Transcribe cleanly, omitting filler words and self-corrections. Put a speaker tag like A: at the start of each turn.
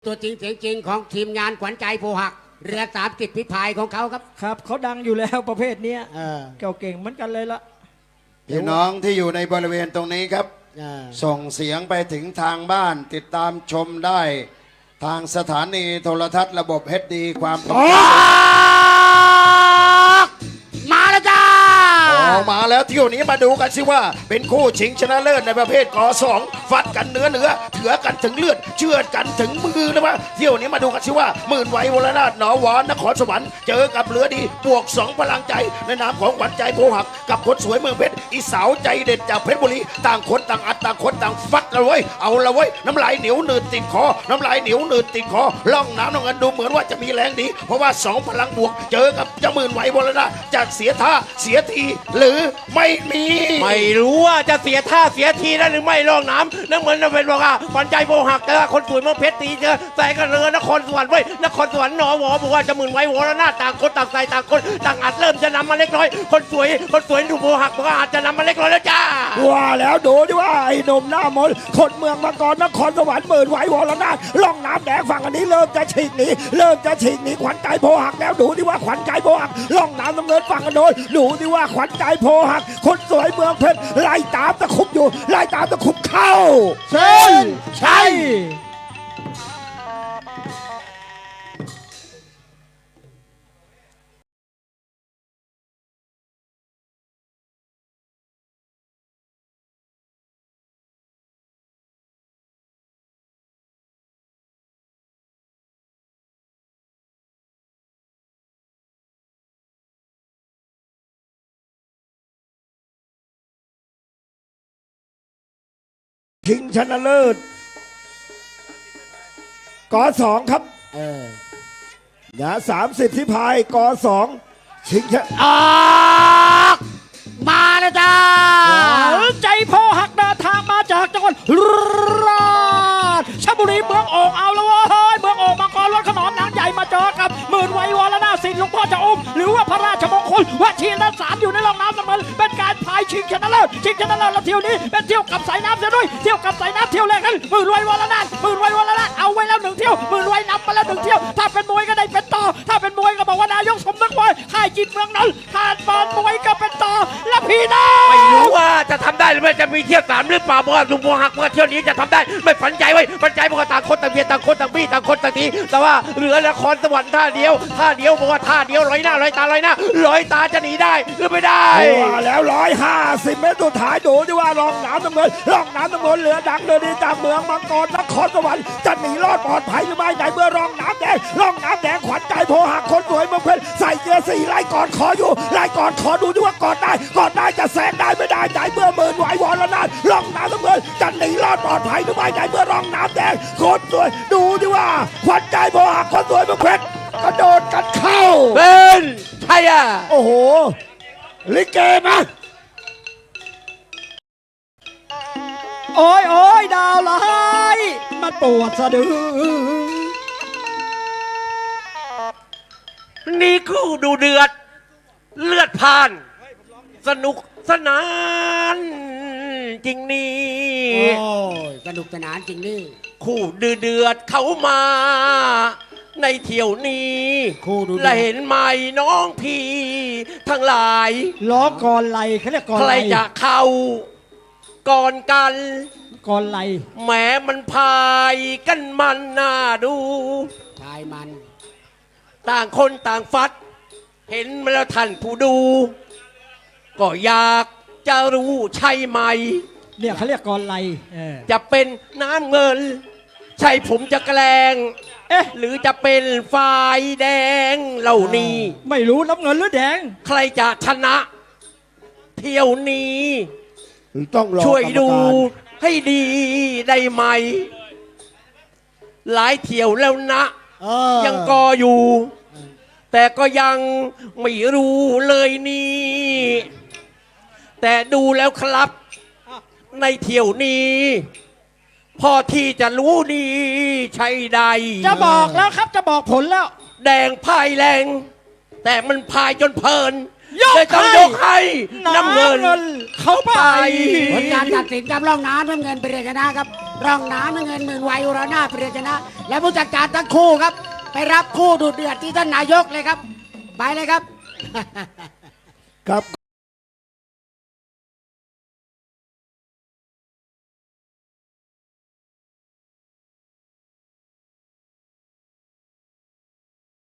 A: ตัวจริงเสียงจริงของทีมงานขวัญใจโพหักเรือสามกิจพิพายของเขาครับ
B: ครับเขาดังอยู่แล้วประเภทนี้เก่าเก่งเหมือนกันเลยละ
C: พี่น้องที่อยู่ในบริเวณตรงนี้ครับส่งเสียงไปถึงทางบ้านติดตามชมได้ทางสถานีโทรทัศน์ระบบ HD ความถี่
A: มาแล้วจ้า
C: มาแล้วเที่ยวนี้มาดูกันสิว่าเป็นคู่ชิงชนะเลิศในประเภทก2ฟัดกันเนื้อเถือกันถึงเลือดเชื่อดกันถึงมือนะวะเที่ยวนี้มาดูกันสิว่าหมื่นไหววรนาถหนอหวานนครสวรรค์เจอกับเรือดีบวก2พลังใจในนามของขวัญใจโพหักกับคนสวยเมืองเพชรอีสาวใจเด็ดจากเพชรบุรีต่างคนต่างอัดต่างคนต่างฟัดละเว้ยเอาละเว้ยน้ำลายเหนียวหนืดติดคอน้ำลายเหนียวหนืดติดคอล่องน้ำน้องเงินดูเหมือนว่าจะมีแรงดีเพราะว่า2พลังบวกเจอกับเจ้าหมื่นไหววรนาถจะเสียท่าเสียทีหรือไม่มี
D: ไม่รู้ว่าจะเสียท่าเสียทีได้หรือไม่ลองน้ำนั่นเหมือนจะเป็นบอกว่าขวัญใจโพหักแต่คนสวยเมืองเพชรตีเจอใส่กันเรือนครสวรรค์ไว้นครสวรรค์หนอหวอบอกว่าจะหมื่นไว้วรนาถต่างคนต่างใส่ต่างคนต่างอัดเริ่มจะนำมาเล็กน้อยคนสวยถูกโพหักบอกว่าอาจจะนำมาเล็กน้อยแล้วจ้า
B: ว่าแล้วดูดิว่าไอ้หนุ่มหน้ามนคนเมืองมังกรนครสวรรค์หมื่นไหววรนาถล่องน้ำแดงฝั่งอันนี้เริ่มจะฉีกหนีขวัญใจโพหักแล้วดูดิว่าขวัญใจโพหักล่องน้ำน้ำเงินฝั่งกันโดนดูดิว่าขวัญใจโพหักคนสวยเมืองเพชรไล่ตามตะคุบอยู่ไล่ตามตะคุบเข้าเส้นชัยชิงชนะเลิศก2ครับอย่า30ที่พายก2ชิงชนะ
A: มาแล้วจ้า
B: ใจโพหักเดินทางมาจากจังหวัดราชบุรีเมืองโอ่งเอาแล้วเฮ้ยเมืองโอ่งมังกรรถขนอมนางใหญ่มาเจอกับหมื่นไหววรนาถสิทธิ์หลวงพ่อจะอุ้มหรือว่าพระราชมงคลวชิรสารอยู่ในร่องน้ำเสมอเป็นการพายชิงชนะเลิศแล้วเที่ยวนี้เป็นเที่ยวกับสายน้ำเสียด้วยเที่ยวกับสายน้ำเที่ยวแรกกันหมื่นไหววรนาถเอาไว้แล้ว1เที่ยวหมื่นไหวนำมาแล้ว1เที่ยวถ้าเป็นมวยก็ได้เป็นต่อถ้าเป็นมวยก็บอกว่านายกสมนึกมวยค่ายจิตเมืองนนท์ถ้าเป็นมวยก็เป็นต่อและพี่น้อง
D: ไม่รู้ว่าจะทำได้หรือไม่จะมีเที่ยว3หรือเปล่าเพราะว่าลุงโพหักเมื่อเที่ยวนี้จะทำได้ไม่ฝันใจไว้ฝันใจบอกว่าต่างคนต่างเบียดต่างคนต่างบี้ต่างคนต่างตีแต่ว่าเหลือนครสวรรค์ท่าเดียวบอกว่าท่าเดียวร้อยตาจะหนีได้หรือไม่ได้
B: แล้ว150 เมตรสุดท้ายดูดิว่าร่องน้ำน้ำเงินเหลือดังเลยดีจากเมืองมังกรนครสวรรค์จะหนีรอดปลอดภัยหรือไม่ในเมื่อร่องน้ำแดงขวัญใจโพหักคนสวยเมืองเพชรใส่เกียร์4ไล่ก่อนขออยู่ไล่ก่อนขอดูดิว่ากอดได้จะแซงได้ไม่ได้ในเมื่อหมื่นไหววรนาถร่องน้ำน้ำเงินจะหนีรอดปลอดภัยหรือไม่ในเมื่อร่องน้ำแดงคนสวยดูดิว่าขวัญใจโพหักคนสวยเมืองเพชรกระโดดกันเข้า
D: เป็นใช่อ่ะ
B: โอ้โหลิเกมาโอ้ยดาวร้ายมาปวดสะดือ
D: นี่คู่ดูเดือดเลือดผ่านสนุกสนานจริงนี่
A: สนุกสนานจริงนี่
D: คู่เดือดเขามาในเที่ยวนี้และเห็นไหมน้องพี่ทั้งหลาย
B: ล้อก่อนไหลเขาเรียกก่อน
D: ไหลใครจะเข้าก่อนกัน
B: ก่อนไหล
D: แหมมันพายกันมันน่าดู
A: ชายมัน
D: ต่างคนต่างฟัดเห็นมาแล้วท่านผู้ดูก็อยากจะรู้ใช่ไหม
B: เนี่ยเขาเรียกก่อนไหล
D: จะเป็นน้ำเงินใช่ผมจะแกล้งหรือจะเป็นฝ่ายแดงเหล่านี้
B: ไม่รู้น้ำเงินหรือแดง
D: ใครจะชนะเที่ยวนี้
B: ต้อง
D: ช่วยดูให้ดีได้ไหมหลายเที่ยวแล้วนะยังกออยู่แต่ก็ยังไม่รู้เลยนี่แต่ดูแล้วครับในเที่ยวนี้พอที่จะรู้ดีใช่ใด
B: จะบอกแล้วครับจะบอกผลแล้ว
D: แดงพายแรงแต่มันพายจนเพลิน
B: เลยต้องยกให้
D: น้ำเงิน
B: เขาไป
A: ผลการตัดสินกับร่องน้ำน้ำเงินเป็นชนะครับร่องน้ำน้ำเงินหมื่นไวอุรนาถเปรียชนะ และผู้จัดการทั้งคู่ครับ ไปรับคู่ดูเดือดที่ท่านนายกเลยครับ ไปเลยครับ
C: ครับ